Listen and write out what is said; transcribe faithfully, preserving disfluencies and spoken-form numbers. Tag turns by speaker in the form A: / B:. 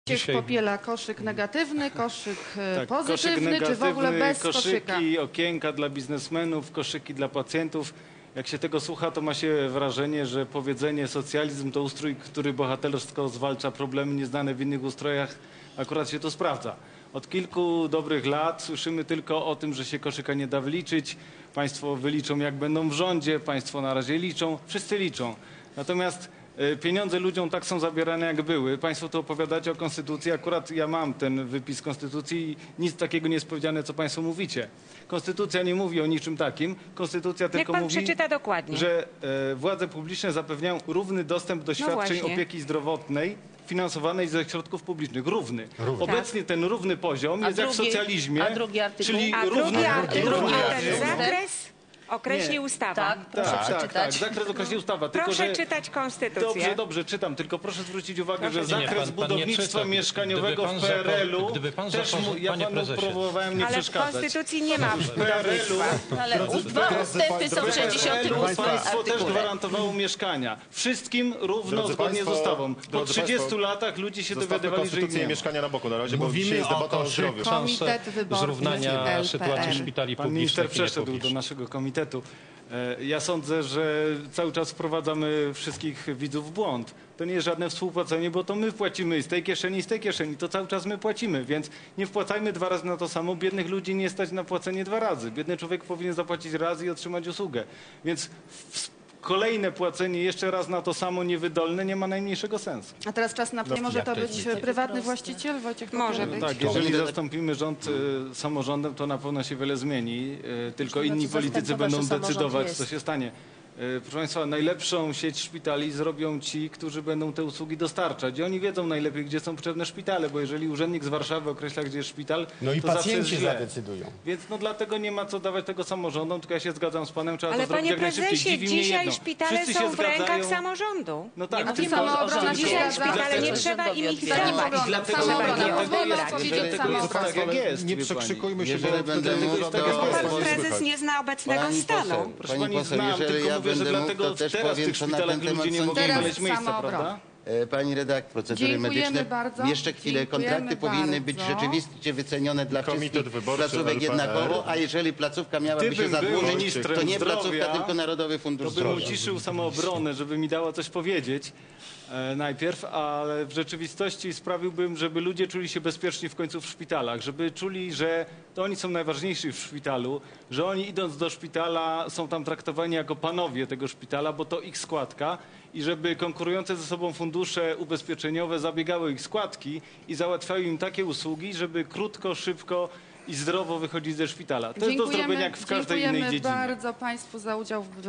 A: Dzisiaj... popiela koszyk negatywny, koszyk tak, pozytywny, koszyk negatywny, czy w ogóle bez
B: koszyki,
A: koszyka?
B: okienka dla biznesmenów, koszyki dla pacjentów. Jak się tego słucha, to ma się wrażenie, że powiedzenie socjalizm to ustrój, który bohatersko zwalcza problemy nieznane w innych ustrojach. Akurat się to sprawdza. Od kilku dobrych lat słyszymy tylko o tym, że się koszyka nie da wyliczyć. Państwo wyliczą, jak będą w rządzie, państwo na razie liczą, wszyscy liczą. Natomiast pieniądze ludziom tak są zabierane, jak były. Państwo tu opowiadacie o konstytucji. Akurat ja mam ten wypis konstytucji i nic takiego nie jest powiedziane, co państwo mówicie. Konstytucja nie mówi o niczym takim. Konstytucja tylko
C: pan
B: mówi,
C: przeczyta dokładnie.
B: że e, władze publiczne zapewniają równy dostęp do świadczeń
C: właśnie.
B: opieki zdrowotnej finansowanej ze środków publicznych. Równy.
D: Równy.
B: Obecnie ten równy poziom
E: A
B: jest jak w
E: drugi-
B: socjalizmie.
E: a drugi artykuł?
B: Czyli
C: A
B: równy,
C: drugi artykuł,
B: równy
C: a ten
B: poziom.
C: zakres określi
B: Nie.
C: ustawa.
E: Tak, proszę
B: Tak, tak, tak.
E: przeczytać.
B: Zakres określi ustawa. Tylko,
C: Proszę
B: że...
C: czytać konstytucję.
B: Dobrze, dobrze, czytam. Tylko proszę zwrócić uwagę,
C: Proszę.
B: że
C: Nie,
B: zakres
D: pan- pan nie
B: budownictwa
D: czyta.
B: mieszkaniowego
D: Gdyby pan
B: w P R L u
D: zapor- gdyby pan
B: też
D: zapor-
B: mu, ja
D: panie
B: panu
D: prezesie.
B: próbowałem nie
C: Ale w
B: przeszkadzać.
C: konstytucji nie ma
B: W P R L u
E: Ale u- dwa ustępy są w sześćdziesiątym ósmym
B: państwo też
E: artykule.
B: gwarantowało mieszkania. Wszystkim równo,
D: Drodzy
B: zgodnie
D: państwo,
B: z ustawą. Po
D: drodzy
B: trzydziestu
D: państwo,
B: latach ludzie się
D: Zostawmy
B: dowiadywali, że ich
D: konstytucję
B: nie
D: i
B: ma.
D: mieszkania na boku na razie, bo dzisiaj
F: Mówimy
D: jest
F: o
D: debata o
F: koszyku.
D: zdrowiu.
A: Komitet wyborczy
D: zrównania
A: L P R.
D: sytuacji szpitali
B: Pan
D: publicznych
B: minister
D: i
B: przeszedł do
D: niepublicznych.
B: naszego komitetu. E, Ja sądzę, że cały czas wprowadzamy wszystkich widzów w błąd. To nie jest żadne współpłacenie, bo to my płacimy z tej kieszeni, z tej kieszeni. To cały czas my płacimy, więc nie wpłacajmy dwa razy na to samo. Biednych ludzi nie stać na płacenie dwa razy. Biedny człowiek powinien zapłacić raz i otrzymać usługę. Więc w kolejne płacenie jeszcze raz na to samo niewydolne nie ma najmniejszego sensu.
A: A teraz czas na... Nie może to być prywatny właściciel, Wojciech?
C: Może
A: Popiełek?
C: być.
B: Tak, jeżeli zastąpimy rząd y, samorządem, to na pewno się wiele zmieni. Y, tylko inni
E: znaczy
B: politycy
E: zastępować,
B: będą
E: że samorząd
B: decydować,
E: jest.
B: co się stanie. Y, proszę Państwa, najlepszą sieć szpitali zrobią ci, którzy będą te usługi dostarczać. I oni wiedzą najlepiej, gdzie są potrzebne szpitale, bo jeżeli urzędnik z Warszawy określa, gdzie jest szpital,
F: No i
B: to zawsze jest
F: pacjenci
B: źle.
F: zadecydują.
B: Więc no dlatego nie ma co dawać tego samorządom, tylko ja się zgadzam z panem, trzeba
C: Ale
B: to zrobić
C: panie
B: jak najszybciej.
C: prezesie,
B: Dziwi mnie
C: dzisiaj
B: jedno.
C: szpitale
B: Wszyscy
C: są
B: się
C: w rękach
B: zgadzają.
C: samorządu.
B: No tak,
C: nie
B: tylko-
C: mówimy o
A: Samoobrona
C: rządzie.
A: się
C: Dzisiaj
A: zgadza.
C: szpitale nie
E: Dlatego-
C: trzeba im ich
E: Dlatego-
C: zajmować.
B: Dlatego,
C: Trzeba
A: Samoobrona.
C: je
A: Pozwolę
C: odebrać.
A: powiedzieć
B: dlatego jest
A: samoobrona.
B: tak, jak jest.
D: Nie
B: wie
D: przekrzykujmy się,
B: pani.
D: bo
G: Jeżeli będę
D: wtedy
G: mówił,
D: jest
G: to-
D: tak,
C: Bo
D: jak
C: pan
D: jest, nie
C: prezes
D: słychać.
C: nie zna obecnego
G: Pani
C: stanu.
G: poseł,
B: Proszę
G: pani
B: pani,
G: poseł,
B: znam,
G: jeżeli
B: tylko
G: ja
B: mówię, że
G: będę mógł,
B: dlatego
G: to też
B: teraz w
G: powiem,
B: tych
G: co na
B: szpitalach
G: ten
B: ludzie
G: temat
B: nie mogą
A: Teraz
B: znaleźć miejsca,
A: samoobrona.
B: prawda?
G: E, Pani redaktor, procedury
A: Dziękujemy
G: medyczne.
A: bardzo.
G: Jeszcze chwilę. Kontrakty
A: Dziękujemy
G: powinny być
A: bardzo.
G: rzeczywiście wycenione dla
D: Komitet
G: wszystkich
D: Wyborczy
G: placówek
D: L P R.
G: jednakowo, a jeżeli placówka miałaby się
B: Gdybym był
G: zadłużyć,
B: ministrem
G: to nie
B: zdrowia,
G: placówka, tylko Narodowy Fundusz
B: To bym
G: Zdrowia.
B: uciszył samoobronę, żeby mi dała coś powiedzieć e, najpierw, ale w rzeczywistości sprawiłbym, żeby ludzie czuli się bezpieczni w końcu w szpitalach, żeby czuli, że to oni są najważniejsi w szpitalu, że oni idąc do szpitala są tam traktowani jako panowie tego szpitala, bo to ich składka i żeby konkurujące ze sobą fundusze ubezpieczeniowe zabiegały ich składki i załatwiały im takie usługi, żeby krótko, szybko i zdrowo wychodzić ze szpitala. To jest do zrobienia jak w każdej innej
A: Dziękujemy
B: dziedzinie.
A: bardzo Państwu za udział w